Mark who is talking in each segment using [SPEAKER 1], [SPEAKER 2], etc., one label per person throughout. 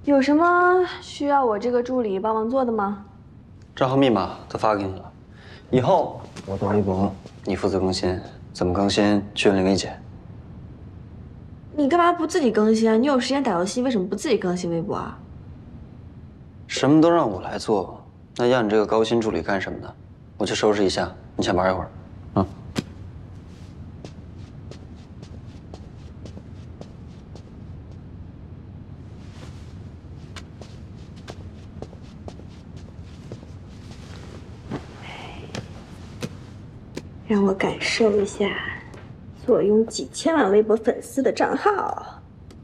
[SPEAKER 1] 有什么需要我这个助理帮忙做的吗？
[SPEAKER 2] 账号密码都发给你了，以后我的微博你负责更新，怎么更新去问林薇姐。
[SPEAKER 1] 你干嘛不自己更新啊？你有时间打游戏，为什么不自己更新微博啊？
[SPEAKER 2] 什么都让我来做，那要你这个高薪助理干什么呢？我去收拾一下，你先玩一会儿，啊。
[SPEAKER 1] 让我感受一下坐拥几千万微博粉丝的账号。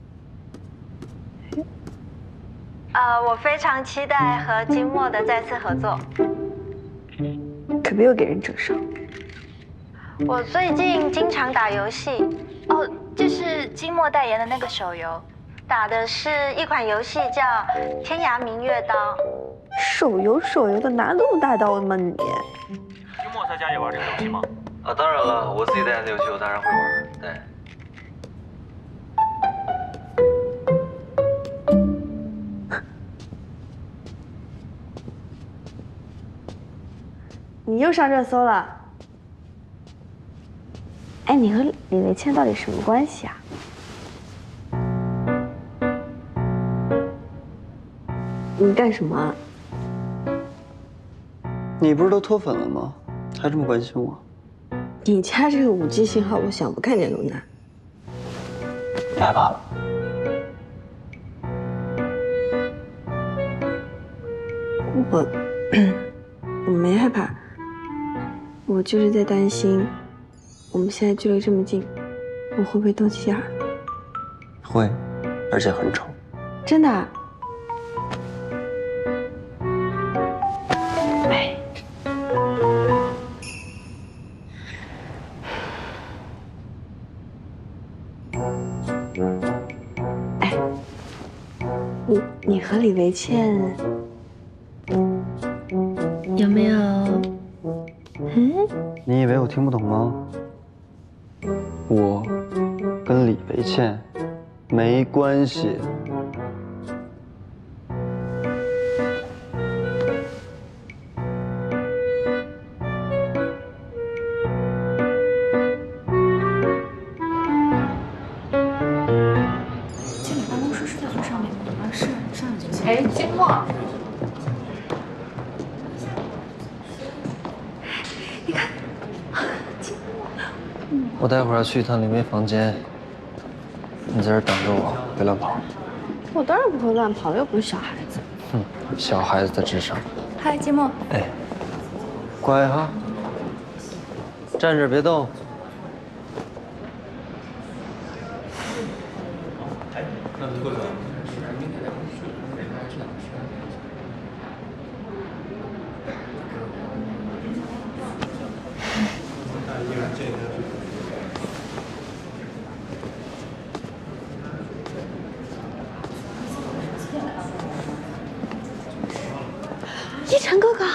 [SPEAKER 3] 我非常期待和金墨的再次合作。
[SPEAKER 1] 可别又给人整伤。
[SPEAKER 3] 我最近经常打游戏，哦，这是金墨代言的那个手游，打的是一款游戏叫《天涯明月刀》。
[SPEAKER 1] 手游的，拿那么大刀吗你？
[SPEAKER 4] 金墨在家也玩这个游戏吗？
[SPEAKER 2] 啊，当然了，我自己代言的游戏我当然会玩。对。
[SPEAKER 1] 你又上热搜了。哎，你和李维倩到底什么关系啊？你干什么啊？
[SPEAKER 2] 你不是都脱粉了吗？还这么关心我？
[SPEAKER 1] 你家这个5G 信号，我想不看见都难。
[SPEAKER 2] 你害怕了？
[SPEAKER 1] 我没害怕，我就是在担心，我们现在距离这么近，我会不会斗起眼儿？
[SPEAKER 2] 会，而且很丑。
[SPEAKER 1] 真的啊？哎，哎，你和李维倩有没有？
[SPEAKER 2] 你以为我听不懂吗？我跟李维倩没关系。
[SPEAKER 5] 经理办公室是在最上面吗？啊，是上面就行。
[SPEAKER 6] 哎，金墨，
[SPEAKER 1] 你看，
[SPEAKER 2] 我待会儿要去一趟林薇房间，你在这儿等着我，别乱跑。
[SPEAKER 1] 我当然不会乱跑，又不是小孩子。
[SPEAKER 2] 哼，小孩子的智商。
[SPEAKER 5] 嗨，金墨。
[SPEAKER 2] 哎，乖哈，站着别动。
[SPEAKER 1] 一晨哥哥，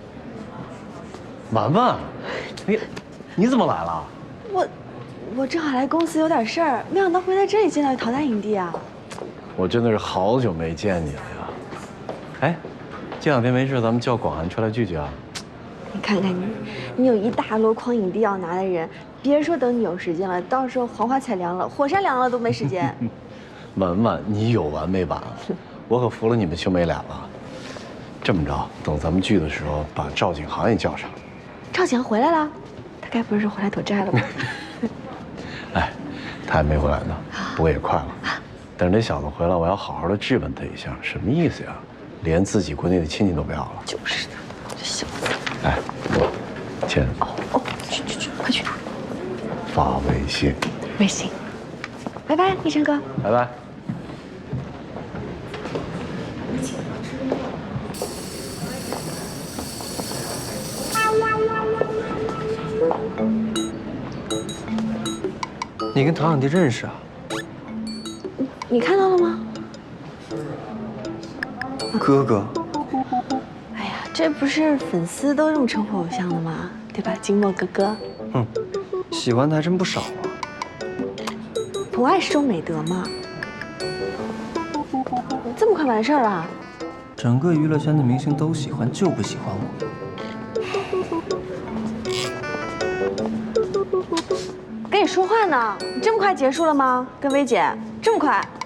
[SPEAKER 4] 婉婉，你怎么来了？
[SPEAKER 1] 我正好来公司有点事儿，没想到会在这里见到陶大影帝啊！
[SPEAKER 4] 我真的是好久没见你了呀。哎，这两天没事，咱们叫广涵出来聚聚啊。
[SPEAKER 1] 你看看你，你有一大箩筐影帝要拿的人，别说等你有时间了，到时候黄花菜凉了，火山凉了都没时间。
[SPEAKER 4] 婉婉，你有完没完？我可服了你们兄妹俩了。这么着，等咱们聚的时候，把赵景航也叫上。
[SPEAKER 1] 赵景回来了，他该不是回来躲债了吧？
[SPEAKER 4] 哎，他还没回来呢，不过也快了。等这小子回来，我要好好的质问他一下，什么意思呀？连自己国内的亲戚都不要了。
[SPEAKER 1] 就是的，这小子。
[SPEAKER 4] 哎，亲。
[SPEAKER 1] 哦，去，快去。
[SPEAKER 4] 发微信。
[SPEAKER 1] 微信。拜拜，一晨哥。
[SPEAKER 4] 拜拜。
[SPEAKER 2] 你跟陶影帝认识啊？
[SPEAKER 1] 你看到了吗？
[SPEAKER 2] 哥哥。
[SPEAKER 1] 哎呀，这不是粉丝都这么称呼偶像的吗？对吧，金墨哥哥？
[SPEAKER 2] 哼，喜欢的还真不少啊。
[SPEAKER 1] 博爱是种美德嘛。这这么快完事儿了？
[SPEAKER 6] 整个娱乐圈的明星都喜欢，就不喜欢我。
[SPEAKER 1] 跟你说话呢，你这么快结束了吗？跟薇姐这么快？